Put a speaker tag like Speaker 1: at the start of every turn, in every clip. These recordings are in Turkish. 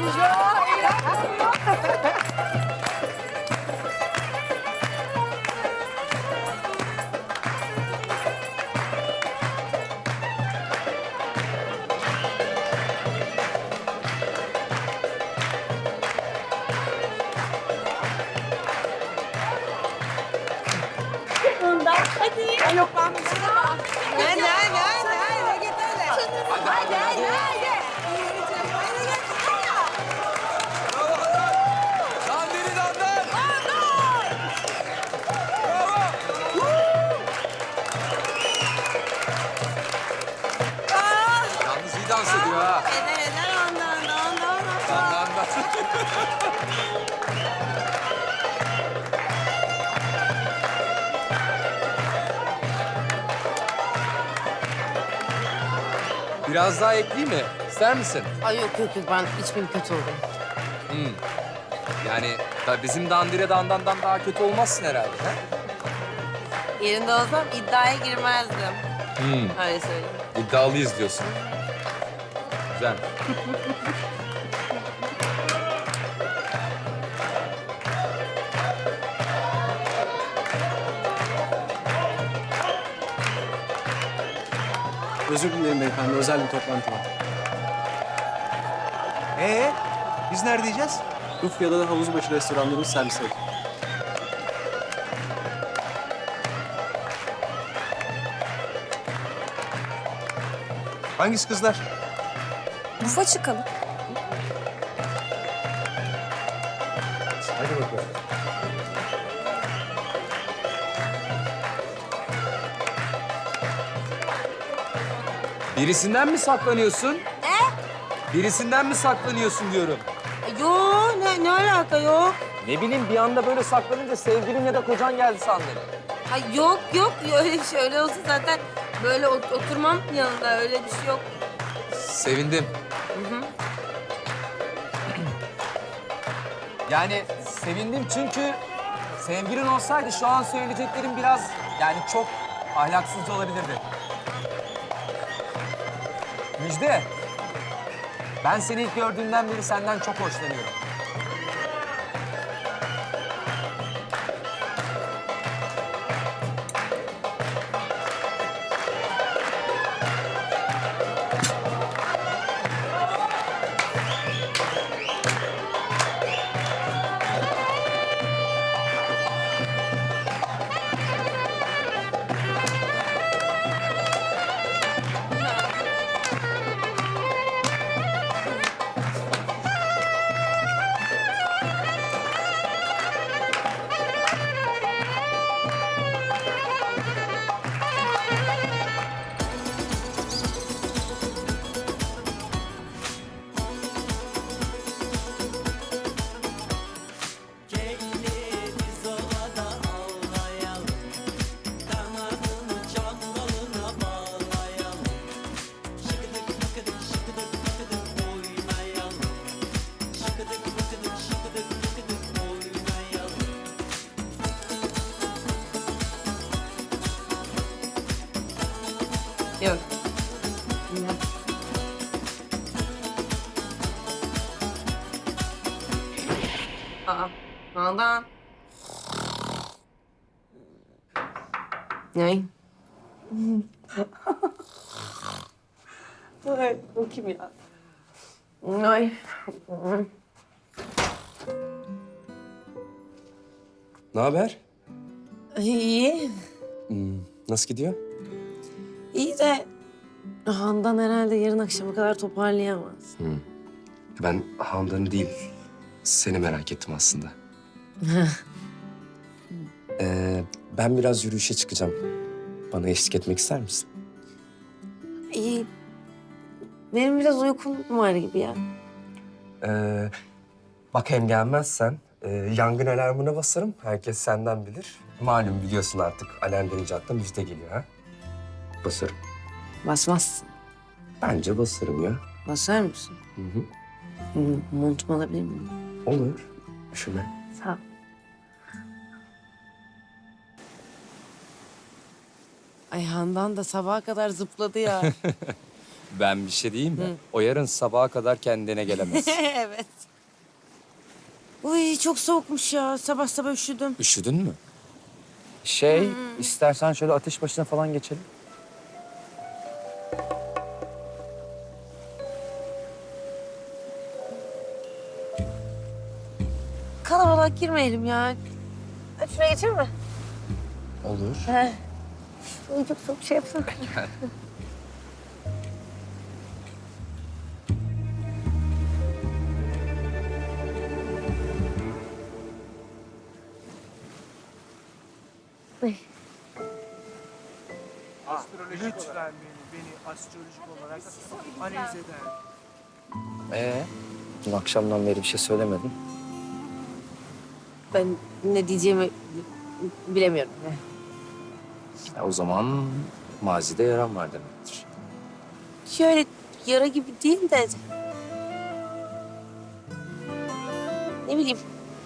Speaker 1: Hadi. Yok ben bir şey demem.
Speaker 2: Ne git öyle. Hadi.
Speaker 3: Dandini dandan. Yalnız iyi dans ediyor ha.
Speaker 2: Eder ondan.
Speaker 3: Dandan. Biraz daha ekleyeyim mi? İster misin?
Speaker 2: Ay yok ben içmeyeyim kötü oluyor.
Speaker 3: Yani tabii bizim dandire dandandan daha kötü olmazsın herhalde. Ha?
Speaker 2: Yerinde olsam iddiaya girmezdim. Öyle söyleyeyim.
Speaker 3: İddialıyız diyorsun. Güzel.
Speaker 4: Özür dilerim beyefendi, özel bir toplantı var.
Speaker 5: Biz nerede yiyeceğiz?
Speaker 4: Ufya'da da Havuzbaşı restoranlarının servisleri.
Speaker 5: Hangisi kızlar?
Speaker 1: Bufa çıkalım.
Speaker 5: Hadi bakalım.
Speaker 3: Birisinden mi saklanıyorsun? Ne? Birisinden mi saklanıyorsun diyorum.
Speaker 2: Yo ne alaka yok.
Speaker 3: Ne bileyim bir anda böyle saklanınca sevgilin ya da kocan geldi sandım.
Speaker 2: Ha yok öyle bir şey öyle olsa zaten böyle oturmam yanında öyle bir şey yok.
Speaker 3: Sevindim. Yani sevindim çünkü sevgilin olsaydı şu an söyleyeceklerim biraz yani çok ahlaksızca olabilirdi. Müjde, ben seni ilk gördüğümden beri senden çok hoşlanıyorum.
Speaker 2: Yok. Handan. Ne?
Speaker 1: Ay, bu kim ya?
Speaker 2: Ay.
Speaker 6: Ne haber?
Speaker 2: İyi.
Speaker 6: Nasıl gidiyor?
Speaker 2: İyi de Handan herhalde yarın akşama kadar toparlayamaz.
Speaker 6: Ben Handan'ı değil, seni merak ettim aslında. Ben biraz yürüyüşe çıkacağım. Bana eşlik etmek ister misin?
Speaker 2: İyi. Benim biraz uykum var gibi ya.
Speaker 6: Bak hem gelmezsen yangın alarmına basarım. Herkes senden bilir. Malum biliyorsun artık alarm denince akla Müjde geliyor ha. Basarım.
Speaker 2: Basmazsın.
Speaker 6: Bence basarım ya.
Speaker 2: Basar mısın? Montumu alabilir miyim?
Speaker 6: Olur. Üşüme.
Speaker 2: Sağ ol. Ay Handan da sabaha kadar zıpladı ya.
Speaker 3: Ben bir şey diyeyim mi? O yarın sabaha kadar kendine gelemez.
Speaker 2: Evet. Uy çok soğukmuş ya. Sabah sabah üşüdüm.
Speaker 3: Üşüdün mü?
Speaker 6: istersen şöyle ateş başına falan geçelim.
Speaker 2: Kalabalığa girmeyelim ya. Şuraya geçir mi?
Speaker 6: Olur.
Speaker 2: Uy çok soğuk şey yapsana.
Speaker 5: Lütfen beni astrolojik olarak analiz eder.
Speaker 6: Dün akşamdan beri bir şey söylemedin.
Speaker 2: Ben ne diyeceğimi bilemiyorum.
Speaker 6: O zaman mazide yaran var demektir.
Speaker 2: Şöyle yara gibi değil de... Ne bileyim.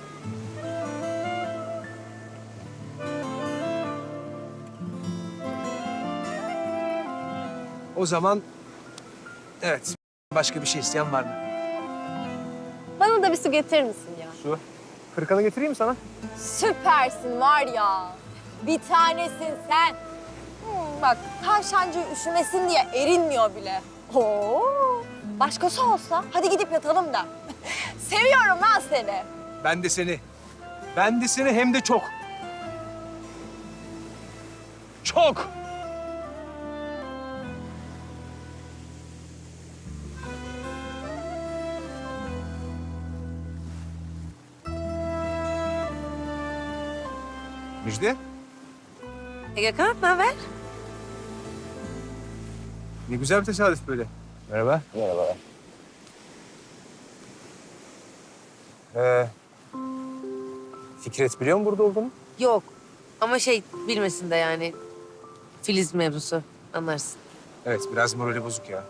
Speaker 5: O zaman evet. Başka bir şey isteyen var mı?
Speaker 1: Bana da bir su getirir misin ya?
Speaker 4: Su. Kırkanı getireyim mi sana?
Speaker 1: Süpersin var ya. Bir tanesin sen. Bak tavşancı üşümesin diye erinmiyor bile. Oo. Başkası olsa hadi gidip yatalım da. Seviyorum lan seni.
Speaker 5: Ben de seni. Ben de seni hem de çok. Çok. Müjde,
Speaker 2: Ege Kanat ne haber?
Speaker 5: ne güzel bir tesadüf böyle.
Speaker 6: Merhaba. Merhaba. Fikret biliyor mu burada olduğunu?
Speaker 2: Yok. Ama şey bilmesin de yani. Filiz mevzusu anlarsın.
Speaker 5: Evet, biraz morali bozuk ya.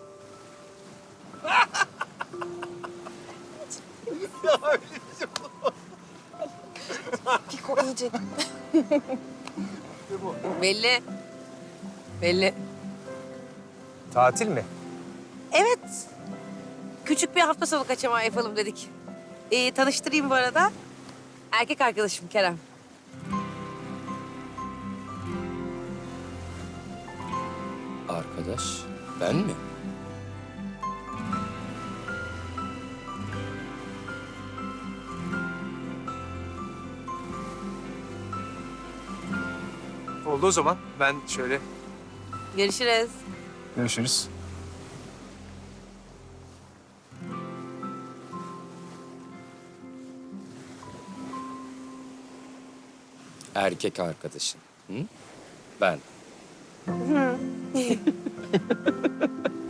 Speaker 1: Piko iyice.
Speaker 2: Belli. Belli.
Speaker 6: Tatil mi?
Speaker 2: Evet. Küçük bir hafta sonu kaçamağı yapalım dedik. Tanıştırayım bu arada. Erkek arkadaşım Kerem.
Speaker 3: Arkadaş, ben mi?
Speaker 5: Oldu o zaman. Ben şöyle...
Speaker 2: Görüşürüz.
Speaker 5: Görüşürüz.
Speaker 3: Erkek arkadaşın. Hı? Ben.